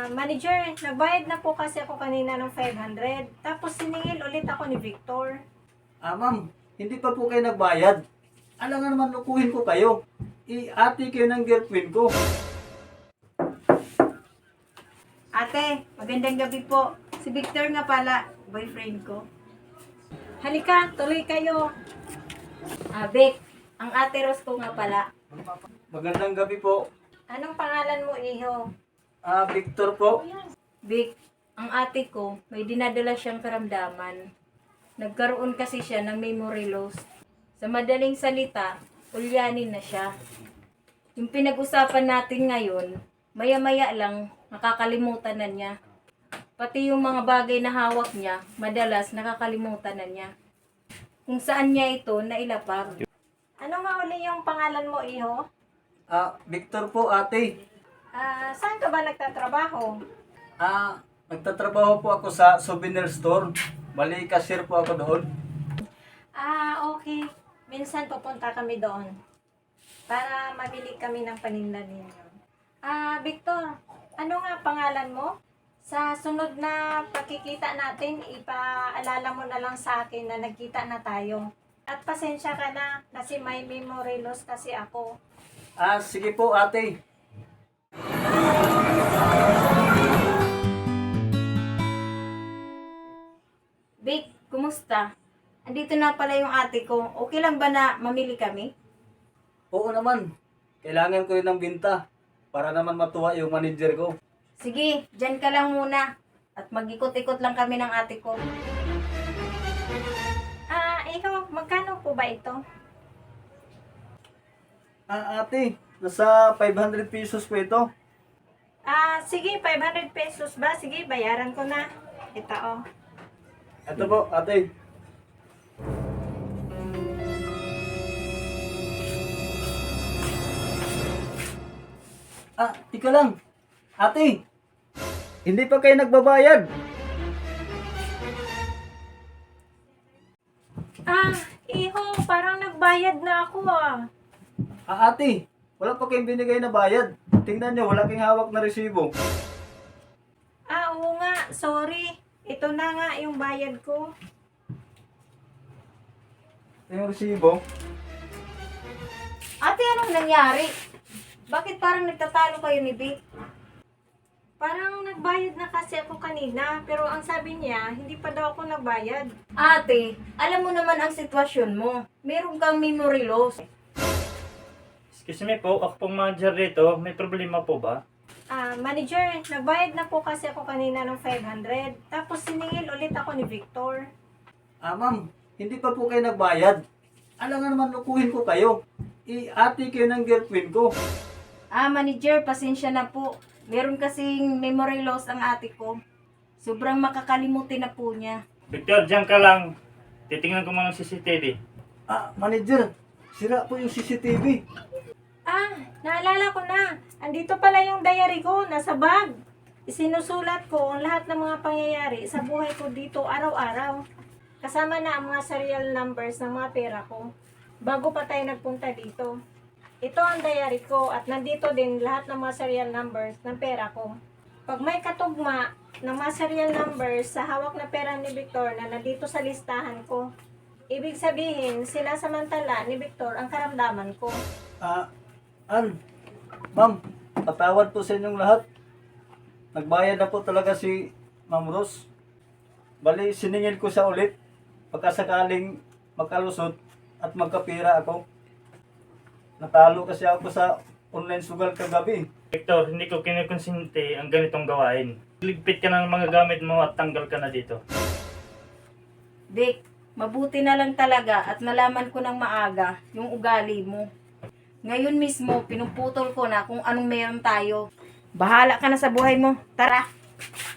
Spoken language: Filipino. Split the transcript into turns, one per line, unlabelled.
Manager, nagbayad na po kasi ako kanina ng 500. Tapos siningil ulit ako ni Victor.
Ma'am, hindi pa po kayo nagbayad. Alam nga naman, lukuhin ko kayo. I-ati kayo ng girlfriend ko.
Ate, magandang gabi po. Si Victor nga pala, boyfriend ko. Halika, tuloy kayo. Vic, ang ate Rose ko nga pala.
Magandang gabi po.
Anong pangalan mo, iho?
Victor po.
Vic, ang ate ko, may dinadala siyang karamdaman. Nagkaroon kasi siya ng memory loss. Sa madaling salita, ulyanin na siya. Yung pinag-usapan natin ngayon, maya-maya lang, nakakalimutan na niya. Pati yung mga bagay na hawak niya, madalas nakakalimutan na niya. Kung saan niya ito nailapag. Ano nga uli yung pangalan mo, iho?
Victor po, ate.
Saan ka ba nagtatrabaho?
Nagtatrabaho po ako sa souvenir store. Bali, cashier po ako doon.
Okay. Minsan pupunta kami doon para mamili kami ng paninda ninyo. Victor, ano nga pangalan mo? Sa sunod na pagkikita natin, ipaalala mo na lang sa akin na nagkita na tayo. At pasensya ka na kasi may memory loss kasi ako.
Sige po, ate.
Vic, kumusta? Andito na pala yung ate ko. Okay lang ba na mamili kami?
Oo naman. Kailangan ko rin ng binta para naman matuwa yung manager ko.
Sige, dyan ka lang muna. At mag-ikot-ikot lang kami ng ate ko. Ikaw, magkano po ba ito?
Ate, nasa 500 pesos po ito.
Sige, 500 pesos ba? Sige, bayaran ko na. Ito, oh.
Ito po, ate. Tika lang. Ate, hindi pa kayo nagbabayad.
Iho, parang nagbayad na ako
Ate, wala pa kayong binigay na bayad. Tingnan nyo, wala kayong hawak na resibo.
Oo nga, sorry. Ito na nga yung bayad ko.
Ito yung resibo.
Ate, anong nangyari? Bakit parang nagtatalo kayo ni Vic? Parang nagbayad na kasi ako kanina, pero ang sabi niya, hindi pa daw ako nagbayad. Ate, alam mo naman ang sitwasyon mo. Meron kang memory loss.
Excuse me po, ako pong manager dito. May problema po ba?
Manager, nagbayad na po kasi ako kanina ng 500. Tapos siningil ulit ako ni Victor.
Ma'am, hindi pa po kayo nagbayad. Alam nga naman, lukuhin ko kayo. I-ati kayo ng girlfriend ko.
Manager, pasensya na po. Meron kasing memory loss ang ate ko. Sobrang makakalimutin na po niya.
Victor, diyan ka lang. Titingnan ko muna ng CCTV.
Manager, sira po yung CCTV.
Naalala ko na. Andito pala yung diary ko, nasa bag. Isinusulat ko ang lahat ng mga pangyayari sa buhay ko dito araw-araw. Kasama na ang mga serial numbers ng mga pera ko. Bago pa tayo nagpunta dito. Ito ang diary ko at nandito din lahat ng mga serial numbers ng pera ko. Pag may katugma ng mga serial numbers sa hawak na pera ni Victor na nandito sa listahan ko, ibig sabihin, sinasamantala ni Victor ang karamdaman ko.
Ma'am, patawad po sa inyong lahat. Nagbayad na po talaga si Ma'am Rose. Bali, siningil ko siya ulit pagkasakaling magkalusot at magkapira ako. Natalo kasi ako sa online sugal kagabi.
Victor, hindi ko kinukonsente ang ganitong gawain. Ligpit ka ng mga gamit mo at tanggal ka na dito.
Vic, mabuti na lang talaga at nalaman ko ng maaga yung ugali mo. Ngayon mismo, pinuputol ko na kung anong meron tayo. Bahala ka na sa buhay mo. Tara!